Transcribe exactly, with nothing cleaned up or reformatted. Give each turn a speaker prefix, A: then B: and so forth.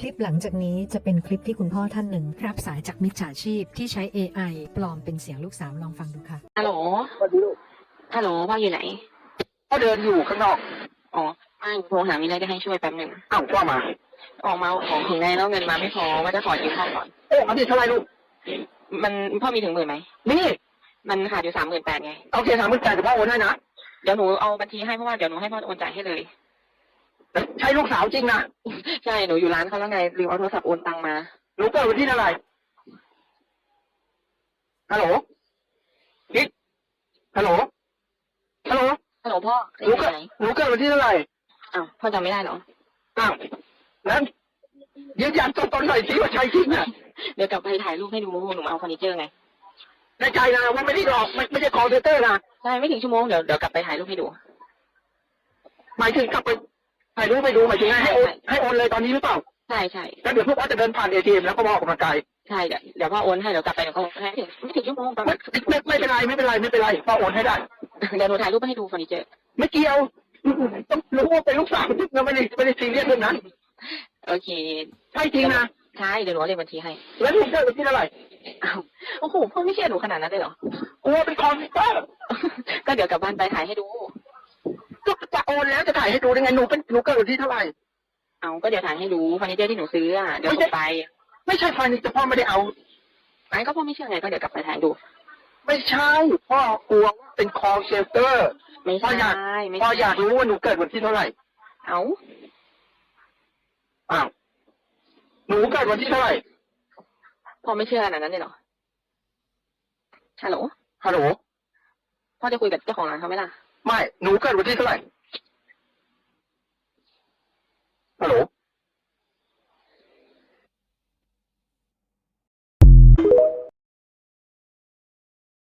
A: ลิปหลังจากนี้จะเป็นคลิปที่คุณพ่อท่านหนึ่งรับสายจากมิจฉาชีพที่ใช้ เอ ไอ ปลอมเป็นเสียงลูกสาวลองฟังดูค่ะ
B: ฮัลโหล
C: สวัสดีลูก
B: ฮัลโหลพ่ออยู่ไหน
C: พ่อเดินอยู่ข้างนอก
B: อ๋อไม่โทรหามีอะไรจะให้ช่วยแป๊บหนึ่ง
C: อ้าวว่ามา
B: ออกมาเอาของถึงไหนแล้วเงินมาไม่พอว่าจะขอยืมพ่อก่อน
C: เอ๊ะเอาดิเท่าไหรลูก
B: มันพ่อมีถึงหมื่นไหม
C: นี่
B: มันขาดอยู่สามหมื่นแปดไง
C: โอเคถามมึงจ่ายแต่พ่อโอนให้นะ
B: เดี๋ยวหนูเอาบัญชีให้เพราะว่าเดี๋ยวหนูให้พ่อโอนจ่ายให้เลย
C: ใช่ลูกสาวจริงนะ
B: ใช่หนูอยู่ร้านเขาแล้วไงลืมเอาโทรศัพท์โอนตังมา
C: หนูเกิดวันที่เท่าไหร่ฮัลโหลกิ๊กฮัลโหลฮัลโหล
B: ฮัลโหลพ่อ
C: หนู
B: อยู่
C: เกิด
B: ไหน
C: หนูเกิดวันที่เท่าไหร่
B: อ้าวพ่อจำไม่ได้เหรอ
C: อ้าวนั้นยืนยันตัวตนหน่อยสิว่าใช่จริงอ่ะ
B: เดี๋ยวกลับไปถ่ายรูปให้ดูหนูมาเอาเฟอร์นิเจอร์ไง
C: ในใจนะว่าไม่ได้หลอกไม่ไม่ใช่คอลเซนเตอร์นะ
B: ใช่ไม่ถึงชั่วโมงเดี๋ยวเดี๋ยวกลับไปถ่ายรูปให้ดู
C: หมายถึงกลับไปถ่ายรูปไปดูหมายถึงให้โอนให้โอนเลยตอนนี้หรือเปล่า
B: ใช่ใช่
C: แล้วเดี๋ยวพวกว่าจะเดินผ่านเอทีเอ็มแล้วก็มาออกกำลังกาย
B: ใช่เดี๋ยวเดี๋ยวพ่อโอนให้เดี๋ยวกลับไปเดี๋ยวเขาให้ไม่ถึงไม่ถึงชั่วโมงประมา
C: ไม่
B: ณ
C: ไม่ไม่เป็นไรไม่เป็นไรไม่เป็นไรพ่อโอนให้ได้
B: เดี๋ยวหนูถ่ายรูปให้ดูเฟอร์นิเจอร์
C: ไม่เกี่ยวต้องรู้ว่าเป็นลูกสาวเราไม่ได้ไม่ได้ซีเรียสเรื่องนั้น
B: โอเค
C: ใช่จริงนะ
B: ใช่เดี๋ยวหนูเอาเลขบัญชีให้
C: แล้วลูกเกิดวันที่เท่าไหร่
B: อ้าวโอ้โหพ่อไม่เชื่อหนูขนาดนั้นเลยเหรอ
C: กลัวเป็นคอมพิวเตอร์
B: ก็เดี๋ยวกลับบ้านไปถ่ายให้ดู
C: ก็จะโอนแล้วจะถ่ายให้ดูได้ไงหนูเป็นหนูเกิดวันที่เท่าไหร่
B: เอาก็เดี๋ยวถ่ายให้ดูเฟอร์นิเจอร์ที่หนูซื้ออ่ะเดี๋ยวส่งไป
C: ไม่ใช่ไฟนี่แต่พ่อไม่ได้เอา
B: ไอ้ก็พ่อไม่เชื่อไงก็เดี๋ยวกลับไปถ่ายดู
C: ไม่ใช่พ่อกลัวว่าเป็นคอลเซนเตอร์
B: ไม่
C: พ่อ
B: ใช่
C: อยาก
B: ไม่
C: พ่อ
B: ใช่
C: อยากรู้ว่าหนูเกิดวันที่เท่าไหร่
B: เอา
C: อ้าวหนูเกิดวันที่เท่าไหร่
B: พ่อไม่เชื่อขนาดนั้นเลยเหรอฮัลโหล
C: ฮัลโหล
B: พ่อจะคุยกับเจ้าของร้านเขาไหมล่ะ
C: ไม่หนูเกิดวันที่เท่าไหร่ฮัลโหล